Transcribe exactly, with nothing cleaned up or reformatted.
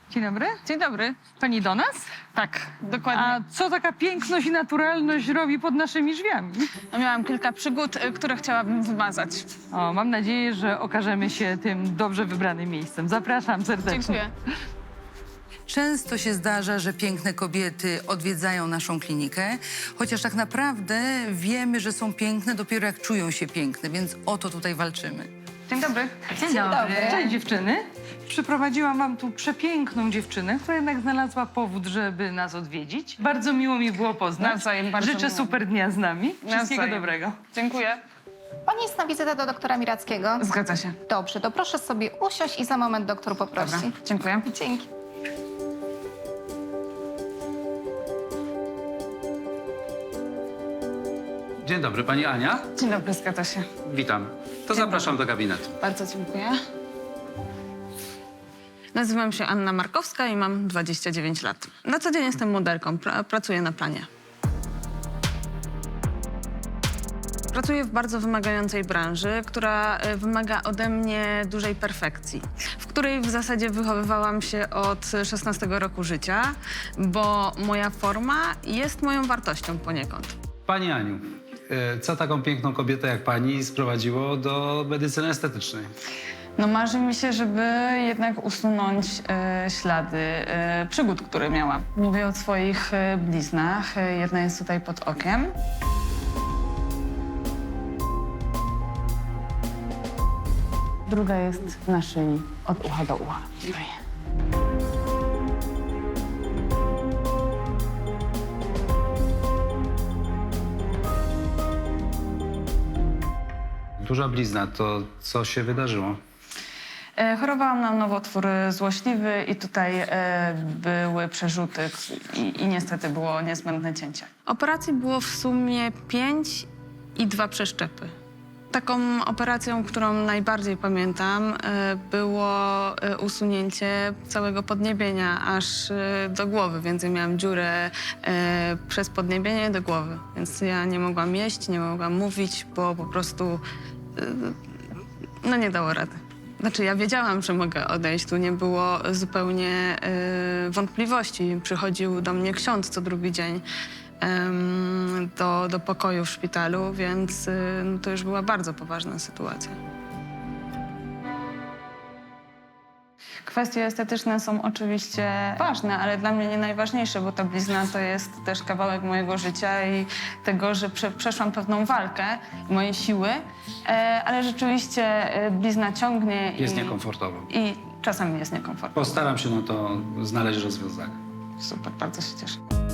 Dzień dobry. Dzień dobry. Pani do nas? Tak, dokładnie. A co taka piękność i naturalność robi pod naszymi drzwiami? No, miałam kilka przygód, y, które chciałabym wymazać. O, mam nadzieję, że okażemy się tym dobrze wybranym miejscem. Zapraszam serdecznie. Dziękuję. Często się zdarza, że piękne kobiety odwiedzają naszą klinikę, chociaż tak naprawdę wiemy, że są piękne dopiero jak czują się piękne, więc o to tutaj walczymy. Dzień dobry. Dzień dobry. Cześć dziewczyny. Przyprowadziłam wam tu przepiękną dziewczynę, która jednak znalazła powód, żeby nas odwiedzić. Bardzo miło mi było poznać. Nawzajem, bardzo Życzę miło. super dnia z nami. Wszystkiego Nawzajem. dobrego. Dziękuję. Pani jest na wizytę do doktora Mirackiego. Zgadza się. Dobrze, to proszę sobie usiąść i za moment doktor poprosi. Dobra, dziękuję. Dzięki. Dzień dobry, pani Ania. Dzień dobry, zgadza się. Witam. To zapraszam do gabinetu. Bardzo dziękuję. Nazywam się Anna Markowska i mam dwadzieścia dziewięć lat. Na co dzień jestem modelką, pra pracuję na planie. Pracuję w bardzo wymagającej branży, która y, wymaga ode mnie dużej perfekcji, w której w zasadzie wychowywałam się od szesnastego roku życia, bo moja forma jest moją wartością poniekąd. Pani Aniu, e, co taką piękną kobietę jak pani sprowadziło do medycyny estetycznej? No marzy mi się, żeby jednak usunąć e, ślady e, przygód, które miałam. Mówię o swoich e, bliznach. E, jedna jest tutaj pod okiem. Druga jest na szyi, od ucha do ucha. Tutaj. Duża blizna, to co się wydarzyło? E, Chorowałam na nowotwór złośliwy i tutaj e, były przerzuty i, i niestety było niezbędne cięcie. Operacji było w sumie pięć i dwa przeszczepy. Taką operacją, którą najbardziej pamiętam, e, było e, usunięcie całego podniebienia aż e, do głowy, więc ja miałam dziurę e, przez podniebienie do głowy, więc ja nie mogłam jeść, nie mogłam mówić, bo po prostu e, no nie dało rady. Znaczy, ja wiedziałam, że mogę odejść. Tu nie było zupełnie y, wątpliwości. Przychodził do mnie ksiądz co drugi dzień ym, do, do pokoju w szpitalu, więc y, no, to już była bardzo poważna sytuacja. Kwestie estetyczne są oczywiście ważne, ale dla mnie nie najważniejsze, bo ta blizna to jest też kawałek mojego życia i tego, że prze, przeszłam pewną walkę, mojej siły, e, ale rzeczywiście e, blizna ciągnie Jest i, niekomfortowo. i czasami jest niekomfortowo. Postaram się na to znaleźć rozwiązanie. Super, bardzo się cieszę.